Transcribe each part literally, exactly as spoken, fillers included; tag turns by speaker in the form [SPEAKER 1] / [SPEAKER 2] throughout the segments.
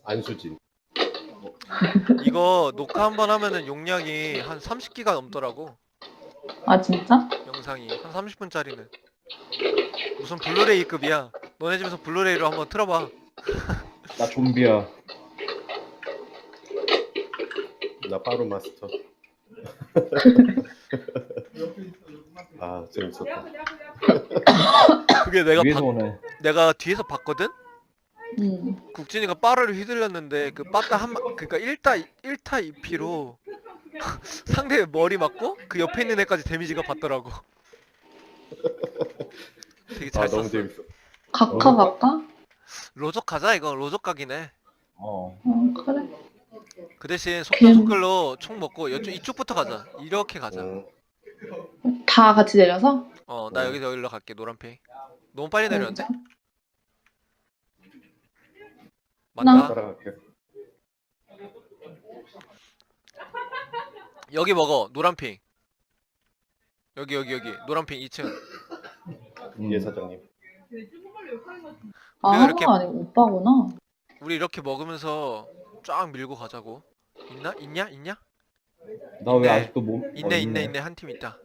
[SPEAKER 1] 안수진.
[SPEAKER 2] 이거 녹화 한번 하면은 용량이 한 삼십 기가 넘더라고.
[SPEAKER 3] 아 진짜?
[SPEAKER 2] 영상이 한 삼십 분짜리는 무슨 블루레이급이야. 너네 집에서 블루레이로 한번 틀어봐.
[SPEAKER 4] 나 좀비야.
[SPEAKER 1] 나 빠루 마스터. 아 재밌었다.
[SPEAKER 2] 그게 내가
[SPEAKER 4] 위에서
[SPEAKER 2] 봤-
[SPEAKER 4] 오네.
[SPEAKER 2] 내가 뒤에서 봤거든?
[SPEAKER 3] 응.
[SPEAKER 2] 국진이가 빠르를 휘둘렸는데 그 빠따 한 마- 그니까 일 타 일 타 이 피로 상대 머리 맞고 그 옆에 있는 애까지 데미지가 받더라고. 되게 잘
[SPEAKER 1] 아
[SPEAKER 2] 썼어.
[SPEAKER 1] 너무 재밌어.
[SPEAKER 3] 각하 각하?
[SPEAKER 2] 로족 가자 이거. 로족 각이네.
[SPEAKER 4] 어.
[SPEAKER 3] 어 그래.
[SPEAKER 2] 그 대신
[SPEAKER 3] 걔는-
[SPEAKER 2] 속도속글로 총 먹고 이쪽, 이쪽부터 가자. 이렇게 가자.
[SPEAKER 1] 응.
[SPEAKER 3] 다 같이 내려서?
[SPEAKER 2] 어 나
[SPEAKER 1] 어.
[SPEAKER 2] 여기서 여기로 갈게. 노란핑. 너무 빨리 내렸는데?
[SPEAKER 3] 진짜?
[SPEAKER 2] 맞다.
[SPEAKER 1] 따라갈게.
[SPEAKER 2] 여기 먹어. 노란핑. 여기 여기 여기. 노란핑 이 층.
[SPEAKER 4] 음.
[SPEAKER 1] 예 사장님.
[SPEAKER 3] 아
[SPEAKER 2] 우리가 이렇게-
[SPEAKER 3] 한국 아니고 오빠구나.
[SPEAKER 2] 우리 이렇게 먹으면서 쫙 밀고 가자고. 있나? 있냐? 있냐?
[SPEAKER 4] 나 왜
[SPEAKER 2] 있네.
[SPEAKER 4] 아직도 몸?
[SPEAKER 2] 있네
[SPEAKER 4] 어,
[SPEAKER 2] 있네 있네. 한 팀 있다.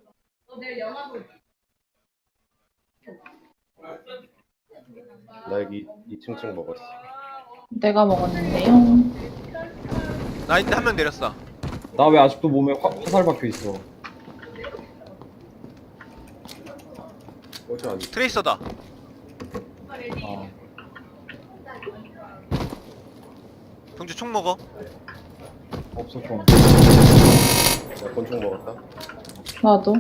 [SPEAKER 1] 나 여기 이 층층 먹었어.
[SPEAKER 3] 내가 먹었는데요.
[SPEAKER 2] 나 있는데 한 명 내렸어.
[SPEAKER 4] 나 왜 아직도 몸에 화, 화살 박혀 있어?
[SPEAKER 1] 어제 안.
[SPEAKER 2] 트레이서다.
[SPEAKER 4] 아.
[SPEAKER 2] 병주 총 먹어.
[SPEAKER 4] 없어 좀.
[SPEAKER 1] 나 권총 먹었다.
[SPEAKER 3] 나도.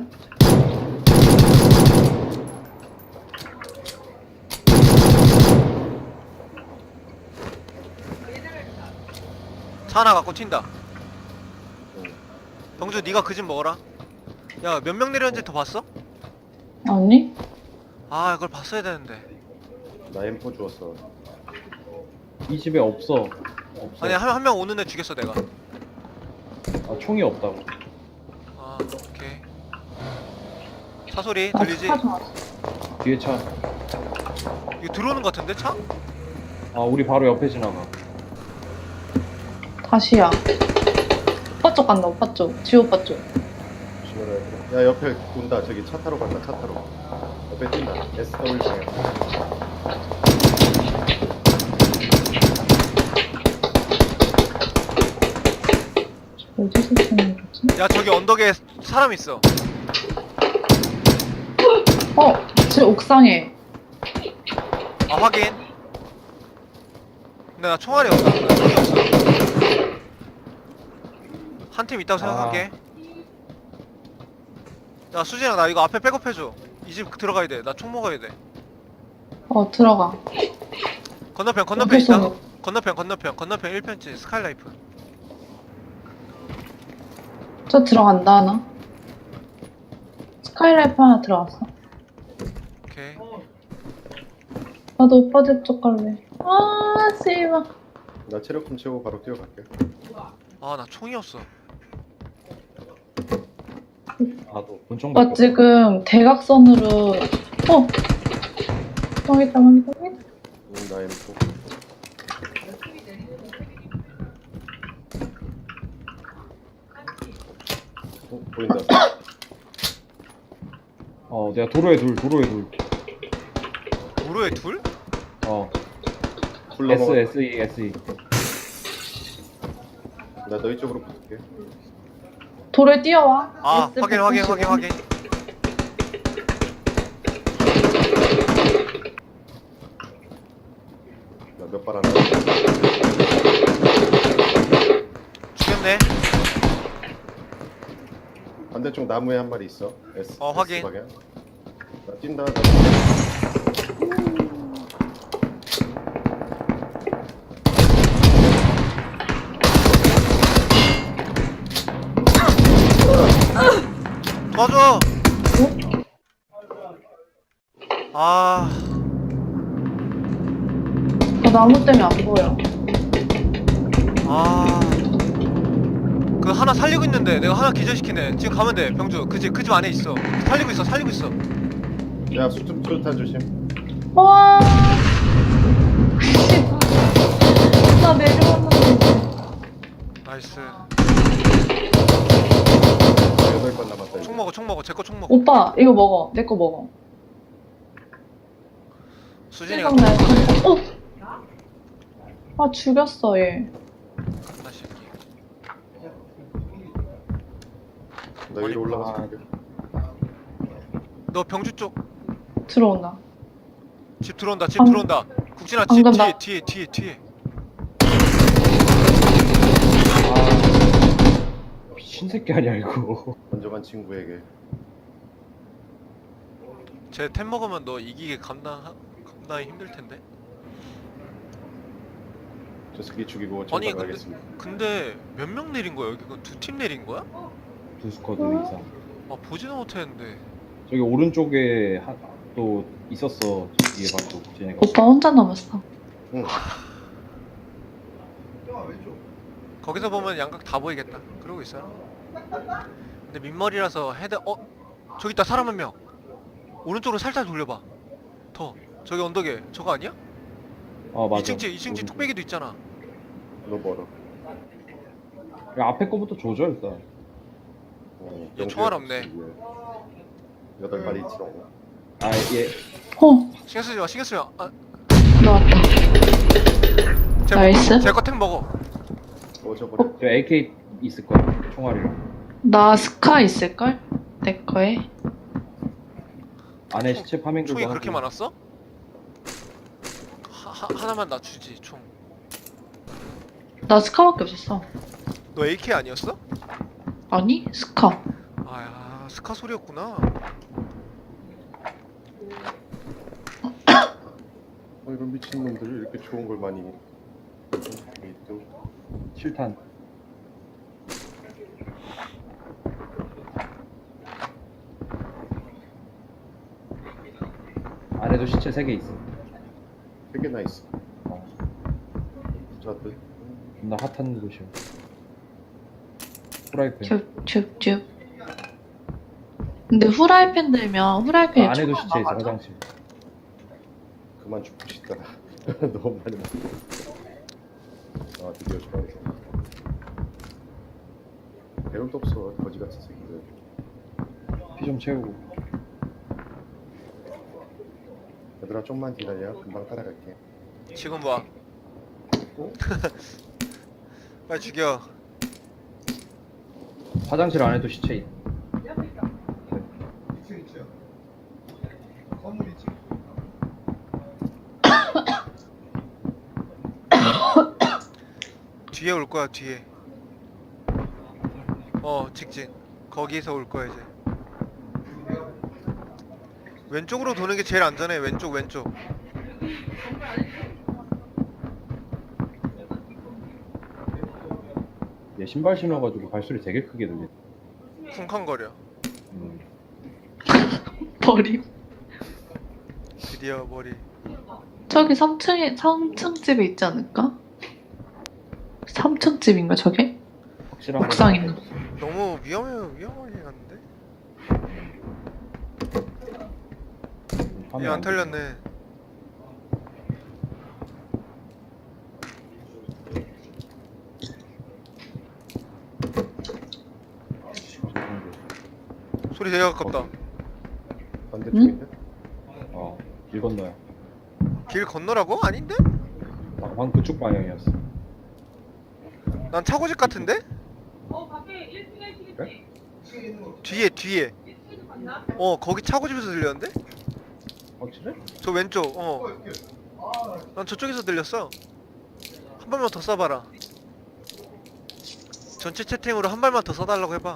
[SPEAKER 2] 차 하나 갖고 튄다.
[SPEAKER 1] 응.
[SPEAKER 2] 병주 네가 그 집 먹어라. 야 몇 명 내렸는지 더 봤어?
[SPEAKER 3] 아니?
[SPEAKER 2] 아 이걸 봤어야 되는데.
[SPEAKER 1] 나 엠포 주웠어.
[SPEAKER 4] 이 집에 없어. 없어.
[SPEAKER 2] 아니 한 한 명 오는 애 죽였어 내가.
[SPEAKER 4] 아, 총이 없다고.
[SPEAKER 2] 아 오케이. 차 소리
[SPEAKER 3] 나
[SPEAKER 2] 들리지?
[SPEAKER 3] 차 좋았어.
[SPEAKER 4] 뒤에 차.
[SPEAKER 2] 이거 들어오는 것 같은데 차?
[SPEAKER 4] 아, 우리 바로 옆에 지나가.
[SPEAKER 3] 다시야. 오빠 쪽 간다. 오빠 쪽. 지호 오빠 쪽.
[SPEAKER 1] 조심해라. 얘들아. 야 옆에 온다. 저기 차 타러 간다. 차 타러. 옆에 뛴다. 에스 더블유 방향.
[SPEAKER 3] 어디서 쓰는 거지?
[SPEAKER 2] 야 저기 언덕에 사람 있어.
[SPEAKER 3] 어! 제 옥상에.
[SPEAKER 2] 아 확인. 근데 나 총알이 없어. 나 총이 없어. 한 팀 있다고 생각할게. 야 수진아 나 이거 앞에 백업해줘. 이 집 들어가야 돼. 나 총 먹어야 돼.
[SPEAKER 3] 어 들어가.
[SPEAKER 2] 건너편 건너편
[SPEAKER 3] 어디서
[SPEAKER 2] 있다.
[SPEAKER 3] 먹-
[SPEAKER 2] 건너편 건너편 건너편 일 편지 스카이라이프.
[SPEAKER 3] 저 들어간다 하나? 스카이라이프 하나 들어갔어.
[SPEAKER 2] 오케이.
[SPEAKER 3] 나도 오빠들 쪽 갈래. 아 씨발.
[SPEAKER 1] 나 체력 좀 채우고 바로 뛰어갈게.
[SPEAKER 2] 아 나 총이 없어.
[SPEAKER 4] 나도 권총
[SPEAKER 3] 오빠
[SPEAKER 4] 밖에
[SPEAKER 3] 지금 대각선으로. 어! 망했다 망했다 망했다.
[SPEAKER 1] 응, 나 엠포. 어, 보인다.
[SPEAKER 4] 없어. 어, 내가 도로에 둘, 도로에 둘.
[SPEAKER 2] 도로에 둘?
[SPEAKER 4] 어.
[SPEAKER 1] 불
[SPEAKER 4] S,
[SPEAKER 1] 넘어가.
[SPEAKER 4] S, E, S, E.
[SPEAKER 1] 나 너희 쪽으로 붙을게.
[SPEAKER 3] 돌에 뛰어와.
[SPEAKER 2] 아
[SPEAKER 3] S
[SPEAKER 2] 확인 확인 확인
[SPEAKER 3] 백구십오.
[SPEAKER 2] 확인.
[SPEAKER 1] 나 몇 발 안 나.
[SPEAKER 2] 죽였네.
[SPEAKER 1] 반대쪽 나무에 한 마리 있어. S.
[SPEAKER 2] 어, 확인.
[SPEAKER 1] S 방향. 나 뛴다. 나
[SPEAKER 2] 도와줘. 아
[SPEAKER 3] 저 나무 때문에 안 보여.
[SPEAKER 2] 아. 그 하나 살리고 있는데 내가 하나 기절시키네. 지금 가면 돼. 병주 그 집 그 집 안에 있어. 살리고 있어 살리고 있어.
[SPEAKER 1] 야 수첩 수탄 조심.
[SPEAKER 3] 와. 씨. 나 내려와.
[SPEAKER 2] 나이스.
[SPEAKER 1] 여덟 번 남았다. 이제.
[SPEAKER 2] 총 먹어 총 먹어. 제 거 총 먹어.
[SPEAKER 3] 오빠 이거 먹어. 내 거 먹어.
[SPEAKER 2] 수진이가
[SPEAKER 3] 생각나요.
[SPEAKER 2] 총 먹어.
[SPEAKER 3] 어. 아 죽였어 얘.
[SPEAKER 2] 나 새끼.
[SPEAKER 1] 나 위로 올라가서 볼게.
[SPEAKER 2] 너 병주 쪽.
[SPEAKER 3] 들어온다.
[SPEAKER 2] 집 들어온다. 집
[SPEAKER 3] 방-
[SPEAKER 2] 들어온다. 국진아 집
[SPEAKER 3] 방금
[SPEAKER 2] 뒤에
[SPEAKER 3] 나-
[SPEAKER 2] 뒤에 뒤에 뒤에.
[SPEAKER 4] 아, 미친 새끼 아니야 이거.
[SPEAKER 1] 먼저 간 친구에게
[SPEAKER 2] 쟤 템 먹으면 너 이기기 감당 감당이 힘들 텐데.
[SPEAKER 1] 저 새끼 죽이고
[SPEAKER 2] 아니,
[SPEAKER 1] 전방
[SPEAKER 2] 근데-
[SPEAKER 1] 가겠습니다.
[SPEAKER 2] 근데 몇 명 내린 거야 여기? 두 팀 내린 거야?
[SPEAKER 4] 두 스쿼드 이상.
[SPEAKER 2] 아 보지는 못했는데.
[SPEAKER 4] 저기 오른쪽에 하, 또 있었어. 뒤에 봐도 쟤네가.
[SPEAKER 3] 오빠 혼자 남았어.
[SPEAKER 1] 응.
[SPEAKER 2] 거기서 보면 양각 다 보이겠다. 그러고 있어요. 근데 민머리라서 헤드 어 저기 있다 사람 한 명. 오른쪽으로 살짝 돌려봐. 더 저기 언덕에 저거 아니야?
[SPEAKER 4] 아 맞아.
[SPEAKER 2] 이층 집 이층 집 뚝배기도 있잖아.
[SPEAKER 1] 너 멀어.
[SPEAKER 4] 야, 앞에 거부터 조져 일단.
[SPEAKER 1] 어,
[SPEAKER 2] 얘 총알 없네.
[SPEAKER 1] 여덟 마리 있지롱.
[SPEAKER 4] 아 얘.
[SPEAKER 3] 어
[SPEAKER 2] 신경 쓰지 마 신경 쓰지 마. 아,
[SPEAKER 3] 나왔다. 나이스.
[SPEAKER 2] 제거 템 먹어.
[SPEAKER 1] 어 저번에
[SPEAKER 4] 저 에이케이 있을 거야. 총알이랑.
[SPEAKER 3] 나 스카 있을걸? 내 거에.
[SPEAKER 4] 안에 시체 파밍도
[SPEAKER 2] 총이
[SPEAKER 4] 하고.
[SPEAKER 2] 그렇게 많았어? 하, 하, 하나만 낮추지 총.
[SPEAKER 3] 나 스카밖에 없었어.
[SPEAKER 2] 너 에이케이 아니었어?
[SPEAKER 3] 아니 스카.
[SPEAKER 2] 아야 스카 소리였구나.
[SPEAKER 1] 어, 이런 미친 놈들이 이렇게 좋은 걸 많이. 또
[SPEAKER 4] 칠탄. 안에도 시체 세 개 있어.
[SPEAKER 1] 세 개나 있어.
[SPEAKER 4] 어,
[SPEAKER 1] 자들.
[SPEAKER 4] 존나 핫한 곳이야. 프라이팬.
[SPEAKER 3] 줍줍줍. 근데 후라이팬 들면 후라이팬에
[SPEAKER 4] 아, 안에도
[SPEAKER 3] 총알
[SPEAKER 4] 시체 있어.
[SPEAKER 3] 막아줘?
[SPEAKER 4] 화장실.
[SPEAKER 1] 그만 죽고 싶다. 너무 많이 먹었어. 아 드디어 좋아했어. 배울도 없어 거지 같은 새끼들.
[SPEAKER 4] 피 좀 채우고.
[SPEAKER 1] 얘들아 좀만 기다려. 금방 따라갈게.
[SPEAKER 2] 지금 봐.
[SPEAKER 1] 어?
[SPEAKER 2] 빨리 죽여.
[SPEAKER 4] 화장실 안에도 시체 있.
[SPEAKER 2] 뒤에 올 거야 뒤에. 어 직진. 거기서 올 거야 이제. 왼쪽으로 도는 게 제일 안전해. 왼쪽 왼쪽.
[SPEAKER 4] 얘 신발 신어가지고 발소리 되게 크게 들려.
[SPEAKER 2] 쿵쾅거려.
[SPEAKER 4] 음.
[SPEAKER 3] 버림.
[SPEAKER 2] 드디어 머리.
[SPEAKER 3] 저기 삼 층에 삼 층 집에 있지 않을까? 삼 층 집인가 저게?
[SPEAKER 4] 확실한
[SPEAKER 3] 옥상
[SPEAKER 4] 건
[SPEAKER 3] 있는.
[SPEAKER 2] 너무 위험해 위험하게 갔는데.
[SPEAKER 4] 화면
[SPEAKER 2] 얘 안
[SPEAKER 4] 돼.
[SPEAKER 2] 털렸네. 소리 되게 가깝다.
[SPEAKER 1] 반대쪽인데?
[SPEAKER 4] 어, 길 건너야.
[SPEAKER 2] 길 건너라고? 아닌데?
[SPEAKER 4] 방금 그쪽 방향이었어.
[SPEAKER 2] 난 차고집 같은데?
[SPEAKER 1] 그래?
[SPEAKER 2] 뒤에 뒤에. 어 거기 차고집에서 들렸는데?
[SPEAKER 4] 확실해?
[SPEAKER 2] 저 왼쪽. 어. 난 저쪽에서 들렸어. 한 발만 더 쏴봐라. 전체 채팅으로 한 발만 더 쏴달라고 해봐.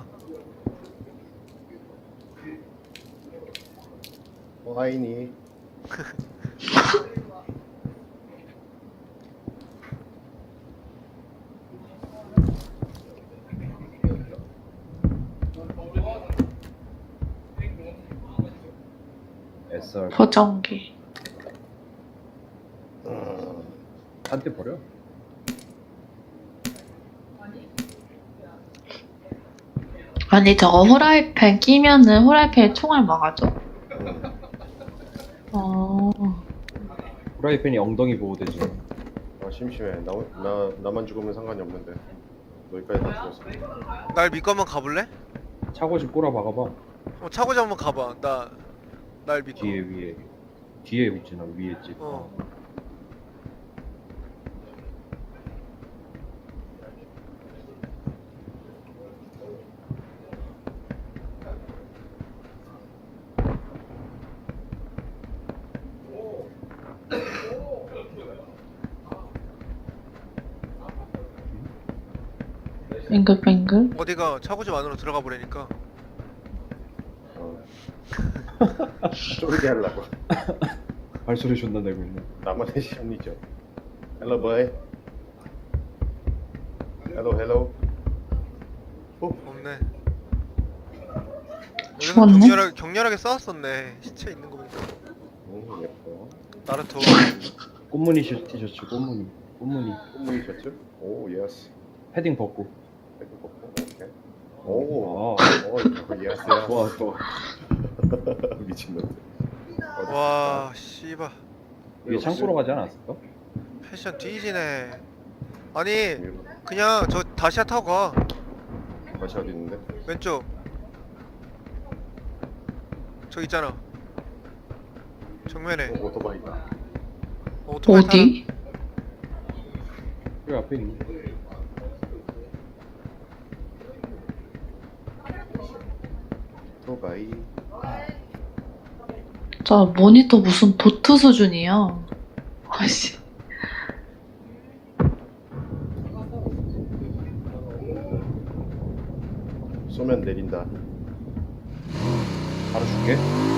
[SPEAKER 1] 어 아이니.
[SPEAKER 4] 에스알.
[SPEAKER 3] 보정기.
[SPEAKER 1] 어,
[SPEAKER 4] 한대 버려.
[SPEAKER 3] 아니 저거 후라이팬 끼면은 후라이팬에 총알 막아줘?
[SPEAKER 1] 응.
[SPEAKER 3] 어.
[SPEAKER 4] 프라이팬이 엉덩이 보호대지.
[SPEAKER 1] 아 심심해. 나, 나 나만 죽으면 상관이 없는데. 여기까지 다 죽었어.
[SPEAKER 2] 날 믿고 한번 가볼래?
[SPEAKER 4] 차고 좀 꼬라 박아봐.
[SPEAKER 2] 어, 차고지 한번 가봐. 나 날 믿고.
[SPEAKER 4] 뒤에 위에. 뒤에 있지 나 위에 있지.
[SPEAKER 2] 어.
[SPEAKER 3] 뱅글뱅글.
[SPEAKER 2] 어디가 차고집 안으로 들어가 보라니까.
[SPEAKER 1] 어. 쫄게 하려고.
[SPEAKER 4] 발소리 존나 내고 있네.
[SPEAKER 1] 나만의 심리죠. Hello boy. Hello hello. 어?
[SPEAKER 2] 없네. 여기서
[SPEAKER 3] 죽었네?
[SPEAKER 2] 격렬하게, 격렬하게 싸웠었네. 시체 있는 거 보니까.
[SPEAKER 1] 오 예뻐.
[SPEAKER 2] 나루토.
[SPEAKER 4] 꽃무늬 시- 티셔츠 꽃무늬. 꽃무늬.
[SPEAKER 1] 꽃무늬 셔츠? 오 예스.
[SPEAKER 4] 패딩 벗고.
[SPEAKER 1] 이렇게 벗고 오케이. 오.
[SPEAKER 4] 아,
[SPEAKER 1] 오 예스 예스.
[SPEAKER 4] 좋아 좋아.
[SPEAKER 1] 미친놈들. 어디
[SPEAKER 2] 와, 씨바.
[SPEAKER 4] 이게 창고로 가지 않았을까?
[SPEAKER 2] 패션 뒤지네. 아니,
[SPEAKER 1] 있을까?
[SPEAKER 2] 그냥 저 다시아 타고 가.
[SPEAKER 1] 다시 어디 있는데?
[SPEAKER 2] 왼쪽. 저기 있잖아. 정면에.
[SPEAKER 1] 오, 오토바이다.
[SPEAKER 2] 어, 오토바이 타라.
[SPEAKER 3] 어디?
[SPEAKER 4] 여기 앞에 있네.
[SPEAKER 1] 오토바이.
[SPEAKER 3] 자, 모니터 무슨 도트 수준이야. 아씨.
[SPEAKER 1] 쏘면 내린다.
[SPEAKER 4] 바로 줄게.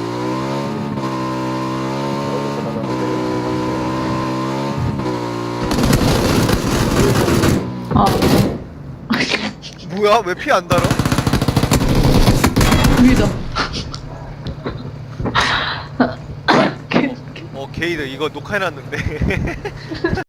[SPEAKER 1] 어디서 나가는데?
[SPEAKER 3] 아.
[SPEAKER 2] 뭐야? 왜 피 안 달아?
[SPEAKER 3] 위다.
[SPEAKER 2] 어, 게이드 이거 녹화해놨는데.